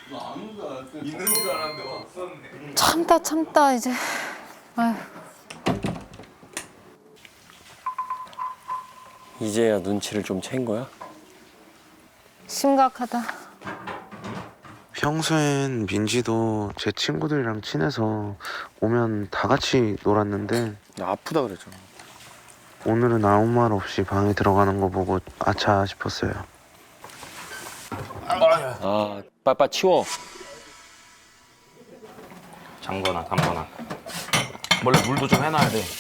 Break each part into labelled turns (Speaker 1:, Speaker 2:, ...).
Speaker 1: 있는 줄 알았는데 없었네.
Speaker 2: 참다 이제. 아휴.
Speaker 3: 이제야 눈치를 좀 챈 거야?
Speaker 2: 심각하다.
Speaker 4: 평소엔 민지도 제 친구들이랑 친해서 오면 다 같이 놀았는데
Speaker 3: 나 아프다 그랬잖아.
Speaker 4: 오늘은 아무 말 없이 방에 들어가는 거 보고 아차 싶었어요.
Speaker 3: 아, 빨빨 치워.
Speaker 5: 장거나 담거나. 원래 물도 좀 해놔야 돼.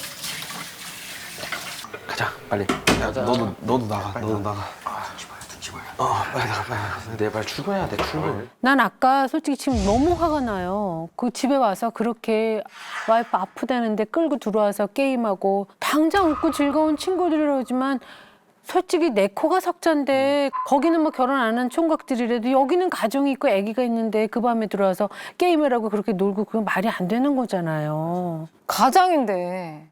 Speaker 4: 가자 빨리. 야, 너도 나가. 너도 나가. 빨리 나가. 내발 출근해야 돼. 출근.
Speaker 2: 난 아까 솔직히 지금 너무 화가 나요. 그 집에 와서 그렇게 와이프 아프다는데 끌고 들어와서 게임하고 당장 웃고 즐거운 친구들이라지만 솔직히 내 코가 석잔데 거기는 뭐 결혼 안 한 총각들이라도 여기는 가정이 있고 아기가 있는데 그 밤에 들어와서 게임을 하고 그렇게 놀고 그건 말이 안 되는 거잖아요.
Speaker 6: 가장인데.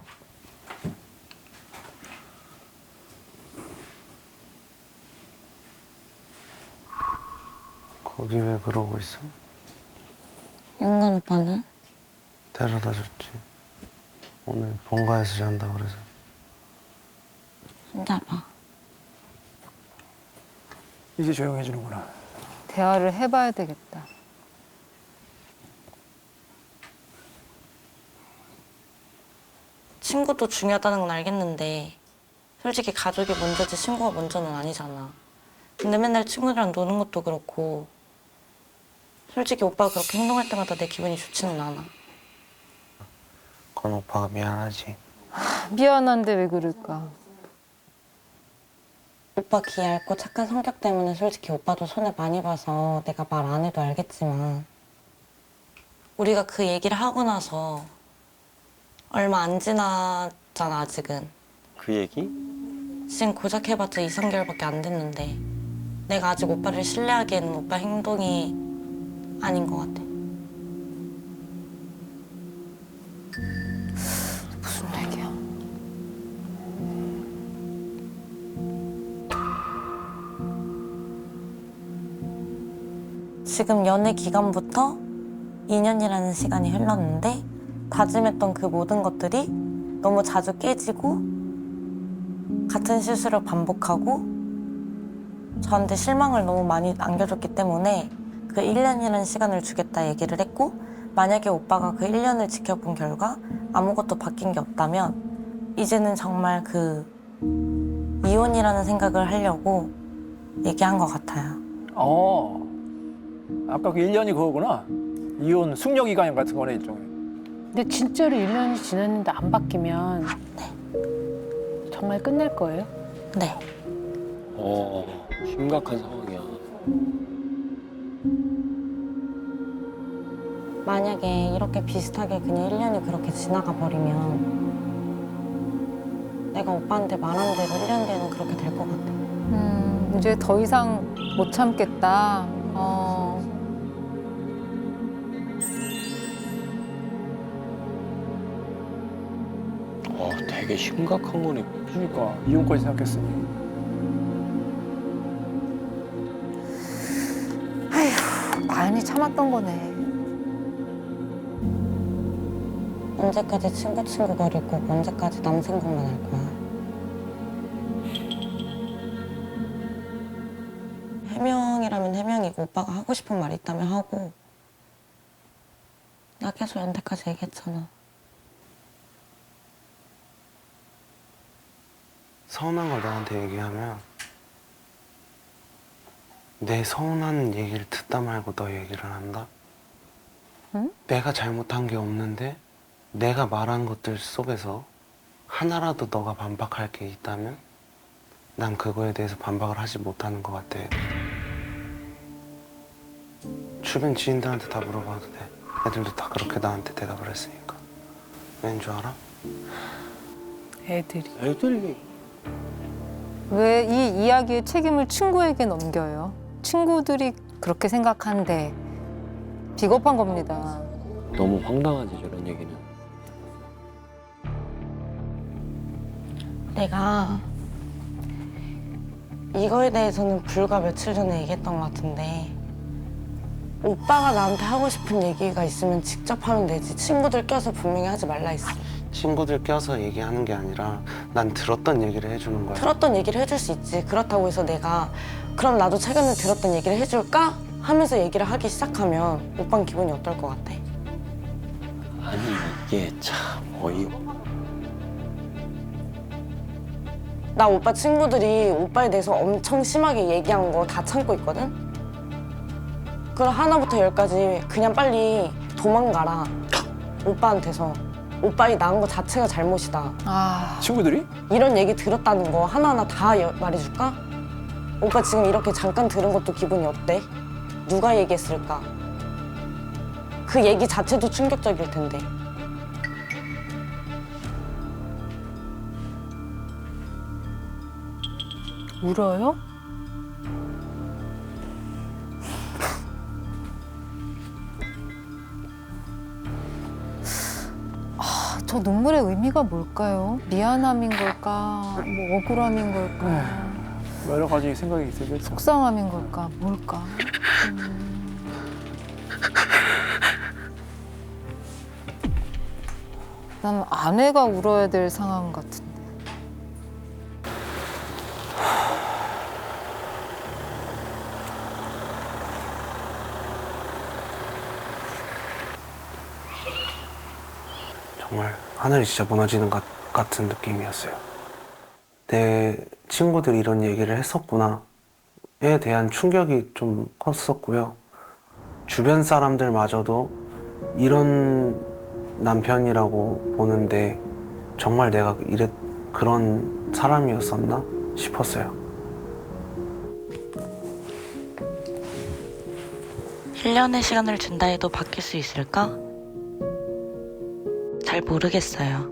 Speaker 4: 거기 왜 그러고 있어?
Speaker 7: 영관 오빠는?
Speaker 4: 데려다 줬지. 오늘 본가에서 잔다 그래서.
Speaker 7: 진짜 봐.
Speaker 8: 이제 조용해지는구나.
Speaker 6: 대화를 해봐야 되겠다.
Speaker 7: 친구도 중요하다는 건 알겠는데 솔직히 가족이 먼저지 친구가 먼저는 아니잖아. 근데 맨날 친구들이랑 노는 것도 그렇고 솔직히 오빠가 그렇게 행동할 때마다 내 기분이 좋지는 않아.
Speaker 4: 건 오빠가 미안하지.
Speaker 6: 미안한데 왜 그럴까?
Speaker 7: 오빠 기 얇고 착한 성격 때문에 솔직히 오빠도 손해 많이 봐서 내가 말 안 해도 알겠지만 우리가 그 얘기를 하고 나서 얼마 안 지났잖아 아직은.
Speaker 3: 그 얘기?
Speaker 7: 지금 고작 해봤자 2, 3개월밖에 안 됐는데 내가 아직 오빠를 신뢰하기에는 오빠 행동이 아닌 것 같아.
Speaker 6: 무슨 얘기야?
Speaker 7: 지금 연애 기간부터 2년이라는 시간이 흘렀는데 다짐했던 그 모든 것들이 너무 자주 깨지고 같은 실수를 반복하고 저한테 실망을 너무 많이 안겨줬기 때문에 그 1년이라는 시간을 주겠다 얘기를 했고 만약에 오빠가 그 1년을 지켜본 결과 아무것도 바뀐 게 없다면 이제는 정말 그 이혼이라는 생각을 하려고 얘기한 것 같아요.
Speaker 8: 아까 그 1년이 그거구나. 이혼 숙려기간 같은 거네, 일종의.
Speaker 2: 근데 진짜로 1년이 지났는데 안 바뀌면 정말 끝낼 거예요?
Speaker 7: 네.
Speaker 3: 심각한 상황이야.
Speaker 7: 만약에 이렇게 비슷하게 그냥 1년이 그렇게 지나가 버리면 내가 오빠한테 말한 대로 1년 뒤에는 그렇게 될 것 같아.
Speaker 6: 이제 더 이상 못 참겠다.
Speaker 3: 되게 심각한 거네.
Speaker 8: 그러니까 이혼까지 생각했으니.
Speaker 6: 많이 참았던 거네.
Speaker 7: 언제까지 친구 거리고 언제까지 남 생각만 할 거야. 해명이라면 해명이고 오빠가 하고 싶은 말 있다면 하고 나 계속 연태까지 얘기했잖아.
Speaker 4: 서운한 걸 나한테 얘기하면 내 서운한 얘기를 듣다 말고 너 얘기를 한다?
Speaker 6: 응?
Speaker 4: 내가 잘못한 게 없는데 내가 말한 것들 속에서 하나라도 너가 반박할 게 있다면 난 그거에 대해서 반박을 하지 못하는 것 같아. 주변 지인들한테 다 물어봐도 돼. 애들도 다 그렇게 나한테 대답을 했으니까. 왠 줄 알아?
Speaker 2: 애들이.
Speaker 6: 왜 이 이야기의 책임을 친구에게 넘겨요? 친구들이 그렇게 생각한데 비겁한 겁니다.
Speaker 3: 너무 황당하지, 저런 얘기는.
Speaker 7: 내가 이거에 대해서는 불과 며칠 전에 얘기했던 것 같은데 오빠가 나한테 하고 싶은 얘기가 있으면 직접 하면 되지. 친구들 껴서 분명히 하지 말라 했어.
Speaker 4: 친구들 껴서 얘기하는 게 아니라 난 들었던 얘기를 해주는 거야.
Speaker 7: 들었던 얘기를 해줄 수 있지. 그렇다고 해서 내가 그럼 나도 최근에 들었던 얘기를 해줄까? 하면서 얘기를 하기 시작하면 오빠는 기분이 어떨 것 같아?
Speaker 3: 아니 이게 참 어이.
Speaker 7: 나 오빠 친구들이 오빠에 대해서 엄청 심하게 얘기한 거 다 참고 있거든? 그럼 하나부터 열까지 그냥 빨리 도망가라. 오빠한테서. 오빠이 낳은 거 자체가 잘못이다.
Speaker 6: 아,
Speaker 8: 친구들이?
Speaker 7: 이런 얘기 들었다는 거 하나하나 다 말해줄까? 오빠 지금 이렇게 잠깐 들은 것도 기분이 어때? 누가 얘기했을까? 그 얘기 자체도 충격적일 텐데.
Speaker 2: 울어요?
Speaker 6: 저 눈물의 의미가 뭘까요? 미안함인 걸까? 뭐 억울함인 걸까?
Speaker 8: 여러 가지 생각이 있어요.
Speaker 6: 속상함인 걸까? 뭘까? 난 아내가 울어야 될 상황 같은데.
Speaker 4: 정말 하늘이 진짜 무너지는 것 같은 느낌이었어요. 내 친구들이 이런 얘기를 했었구나에 대한 충격이 좀 컸었고요. 주변 사람들마저도 이런 남편이라고 보는데 정말 내가 그런 사람이었었나 싶었어요.
Speaker 7: 1년의 시간을 준다 해도 바뀔 수 있을까? 잘 모르겠어요.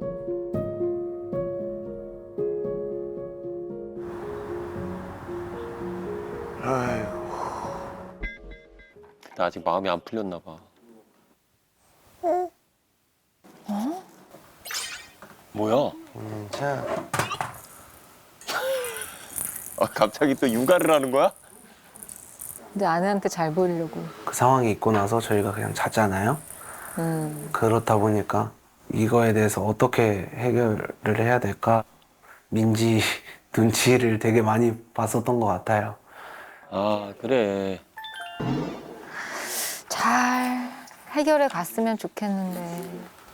Speaker 3: 나 아직 마음이 안 풀렸나 봐. 뭐야?
Speaker 4: 자,
Speaker 3: 갑자기 또 육아를 하는 거야?
Speaker 6: 근데 아내한테 잘 보이려고.
Speaker 4: 그 상황이 있고 나서 저희가 그냥 잤잖아요. 그렇다 보니까 이거에 대해서 어떻게 해결을 해야 될까? 민지 눈치를 되게 많이 봤었던 것 같아요.
Speaker 3: 아 그래.
Speaker 6: 잘 해결해 갔으면 좋겠는데.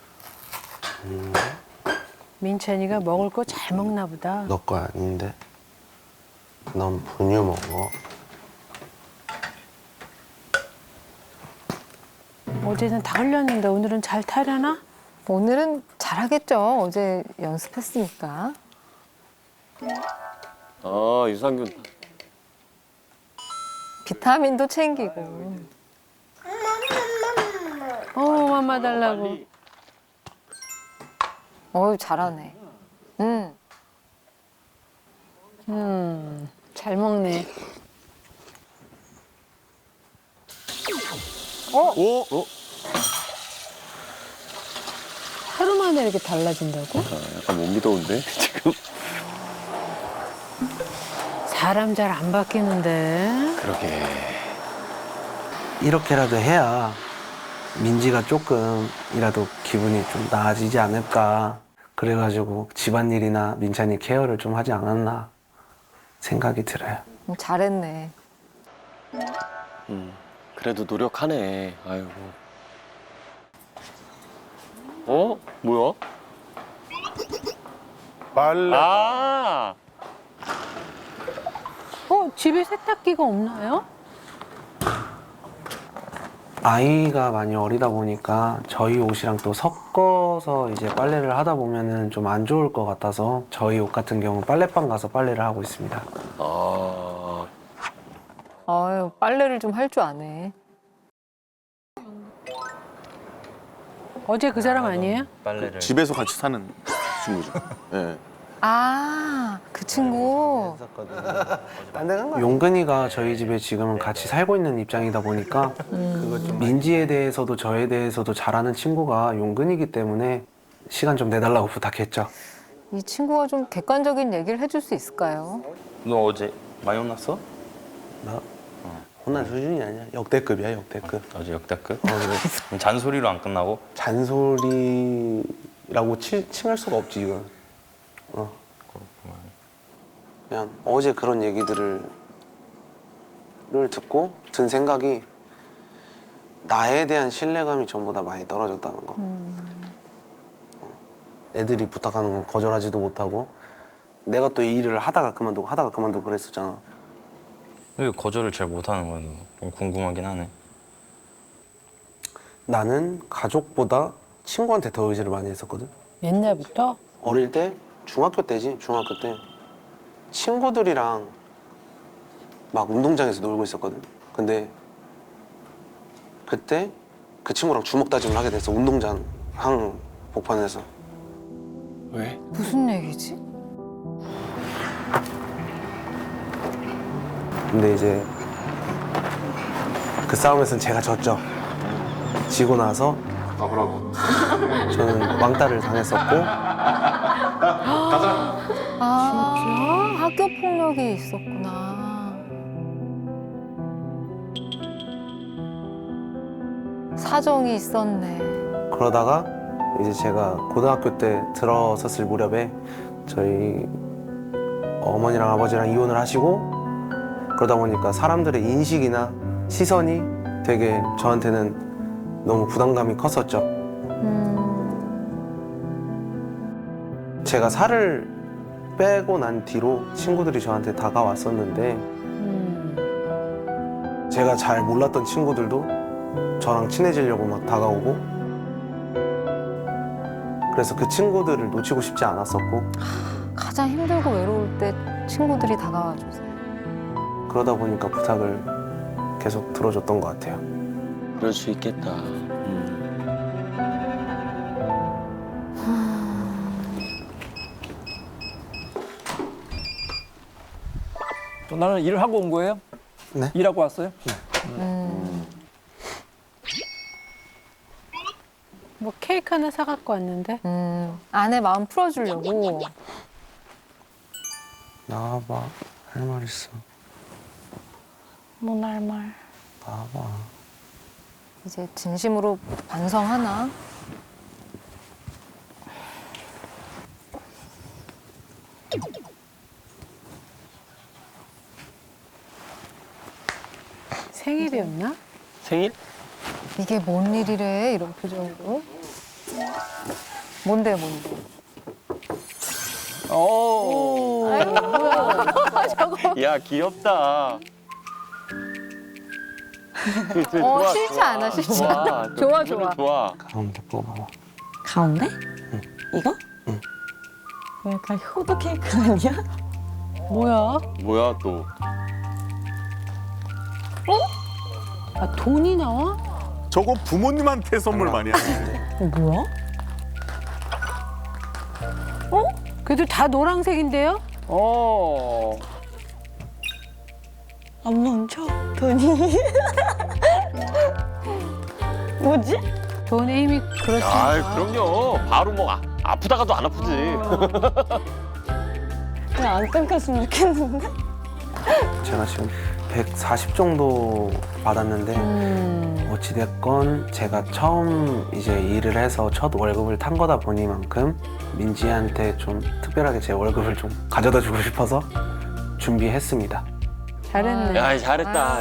Speaker 2: 민찬이가 먹을 거 잘 먹나 보다.
Speaker 4: 너 거 아닌데? 넌 분유 먹어.
Speaker 2: 어제는 다 흘렸는데 오늘은 잘 타려나?
Speaker 6: 오늘은 잘하겠죠. 어제 연습했으니까.
Speaker 3: 아 유산균.
Speaker 6: 비타민도 챙기고.
Speaker 2: 맘마 달라고.
Speaker 3: 빨리.
Speaker 6: 어유 잘하네.
Speaker 2: 잘 먹네. 하루 만에 이렇게 달라진다고?
Speaker 3: 아, 약간 못 믿어온데 지금.
Speaker 2: 사람 잘 안 바뀌는데.
Speaker 3: 그러게.
Speaker 4: 이렇게라도 해야 민지가 조금이라도 기분이 좀 나아지지 않을까. 그래가지고 집안일이나 민찬이 케어를 좀 하지 않았나 생각이 들어요.
Speaker 6: 잘했네.
Speaker 3: 그래도 노력하네. 아이고. 어? 뭐야?
Speaker 5: 빨래.
Speaker 3: 아.
Speaker 2: 집에 세탁기가 없나요?
Speaker 4: 아이가 많이 어리다 보니까 저희 옷이랑 또 섞어서 이제 빨래를 하다 보면은 좀 안 좋을 것 같아서 저희 옷 같은 경우는 빨래방 가서 빨래를 하고 있습니다.
Speaker 3: 아.
Speaker 6: 아유, 빨래를 좀 할 줄 아네.
Speaker 2: 어제 그 사람 아니에요?
Speaker 5: 집에서 같이 사는 친구죠. 예.
Speaker 6: 아, 그 친구.
Speaker 4: 용근이가 저희 집에 지금은 같이 살고 있는 입장이다 보니까 민지에 대해서도 저에 대해서도 잘 아는 친구가 용근이기 때문에 시간 좀 내달라고 부탁했죠.
Speaker 6: 이 친구가 좀 객관적인 얘기를 해줄 수 있을까요?
Speaker 5: 너 어제 많이 혼났어?
Speaker 4: 나 혼날 수준이 아니야. 역대급이야, 역대급.
Speaker 5: 어제 역대급?
Speaker 4: 그래.
Speaker 5: 그럼 잔소리로 안 끝나고?
Speaker 4: 잔소리라고 칭할 수가 없지, 이건. 그냥 어제 그런 얘기들을 듣고 든 생각이 나에 대한 신뢰감이 전부 다 많이 떨어졌다는 거. 애들이 부탁하는 건 거절하지도 못하고 내가 또 이 일을 하다가 그만두고 그랬었잖아.
Speaker 5: 왜 거절을 잘 못하는 거야? 좀 궁금하긴 하네.
Speaker 4: 나는 가족보다 친구한테 더 의지를 많이 했었거든.
Speaker 2: 옛날부터?
Speaker 4: 어릴 때 중학교 때지. 중학교 때 친구들이랑 막 운동장에서 놀고 있었거든. 근데 그때 그 친구랑 주먹 다짐을 하게 됐어. 운동장 한복판에서.
Speaker 3: 왜?
Speaker 6: 무슨 얘기지?
Speaker 4: 근데 이제 그 싸움에서는 제가 졌죠. 지고 나서 저는 왕따를 당했었고
Speaker 6: 아, 학교 폭력이 있었구나. 사정이 있었네.
Speaker 4: 그러다가 이제 제가 고등학교 때 들어섰을 무렵에 저희 어머니랑 아버지랑 이혼을 하시고 그러다 보니까 사람들의 인식이나 시선이 되게 저한테는 너무 부담감이 컸었죠. 제가 살을 빼고 난 뒤로 친구들이 저한테 다가왔었는데 제가 잘 몰랐던 친구들도 저랑 친해지려고 막 다가오고 그래서 그 친구들을 놓치고 싶지 않았었고
Speaker 6: 가장 힘들고 외로울 때 친구들이 다가와줘서.
Speaker 4: 그러다 보니까 부탁을 계속 들어줬던 것 같아요.
Speaker 3: 그럴 수 있겠다.
Speaker 8: 또 나는 일을 하고 온 거예요?
Speaker 4: 네?
Speaker 8: 일하고 왔어요?
Speaker 2: 뭐 케이크 하나 사갖고 왔는데.
Speaker 6: 아내 마음 풀어주려고.
Speaker 4: 나와봐. 할 말 있어.
Speaker 7: 뭐 날 말.
Speaker 4: 나와봐.
Speaker 6: 이제 진심으로 반성하나?
Speaker 2: 생일이었나?
Speaker 3: 생일?
Speaker 6: 이게 뭔 일이래? 이런 표정으로. 뭔데, 뭔데?
Speaker 3: 오. 야 귀엽다. 좋아,
Speaker 6: 싫지
Speaker 3: 좋아.
Speaker 6: 않아, 싫지
Speaker 3: 좋아.
Speaker 6: 않아. 좋아, 좋아.
Speaker 3: 좋아.
Speaker 4: 가운데 뽑아봐.
Speaker 7: 가운데?
Speaker 4: 응.
Speaker 7: 이거?
Speaker 4: 응.
Speaker 7: 약간 효도 케이크 아니야?
Speaker 2: 뭐야?
Speaker 3: 뭐야 또?
Speaker 2: 아, 돈이 나와?
Speaker 9: 저거 부모님한테 선물 많이 하는데.
Speaker 7: 뭐야?
Speaker 2: 그래도 다 노란색인데요?
Speaker 3: 어.
Speaker 7: 안 멈춰 돈이. 뭐지?
Speaker 2: 돈의 힘이
Speaker 3: 아
Speaker 2: 그렇습니다.
Speaker 3: 그럼요. 바로 뭐 아프다가도 안 아프지.
Speaker 7: 그냥 안 끊겼으면 좋겠는데.
Speaker 4: 제가 지금 140 정도 받았는데 어찌됐건 제가 처음 이제 일을 해서 첫 월급을 탄 거다 보니만큼 민지한테 좀 특별하게 제 월급을 좀 가져다 주고 싶어서 준비했습니다.
Speaker 2: 잘했네.
Speaker 3: 야 잘했다.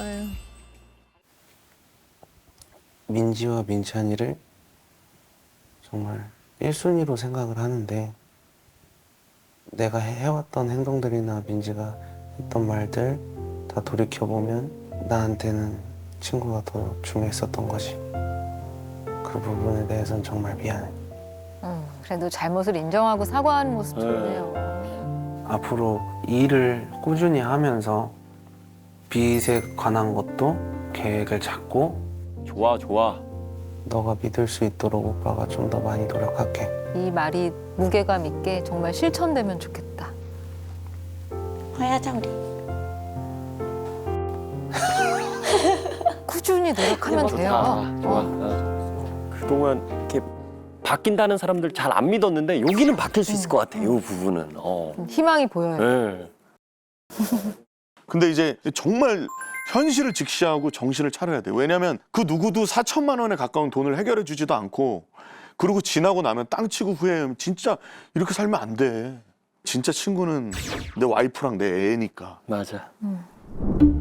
Speaker 4: 민지와 민찬이를 정말 1순위로 생각을 하는데 내가 해왔던 행동들이나 민지가 했던 말들 다 돌이켜보면 나한테는 친구가 더 중요했었던 거지. 그 부분에 대해서는 정말 미안해.
Speaker 6: 그래도 잘못을 인정하고 사과하는 모습 좋네요.
Speaker 4: 앞으로 일을 꾸준히 하면서 빚에 관한 것도 계획을 잡고
Speaker 3: 좋아 좋아.
Speaker 4: 너가 믿을 수 있도록 오빠가 좀 더 많이 노력할게.
Speaker 6: 이 말이 무게감 있게 정말 실천되면 좋겠다.
Speaker 7: 화야자 우리.
Speaker 6: 꾸준히 노력하면
Speaker 3: 좋다.
Speaker 6: 돼요.
Speaker 3: 좋아. 그동안 이렇게 바뀐다는 사람들 잘 안 믿었는데 여기는 바뀔 수 있을 것 같아. 이 부분은.
Speaker 6: 희망이 보여요.
Speaker 3: 네.
Speaker 9: 근데 이제 정말 현실을 직시하고 정신을 차려야 돼. 왜냐면 그 누구도 4천만 원에 가까운 돈을 해결해 주지도 않고 그리고 지나고 나면 땅 치고 후회하면 진짜 이렇게 살면 안 돼. 진짜 친구는 내 와이프랑 내 애니까.
Speaker 3: 맞아.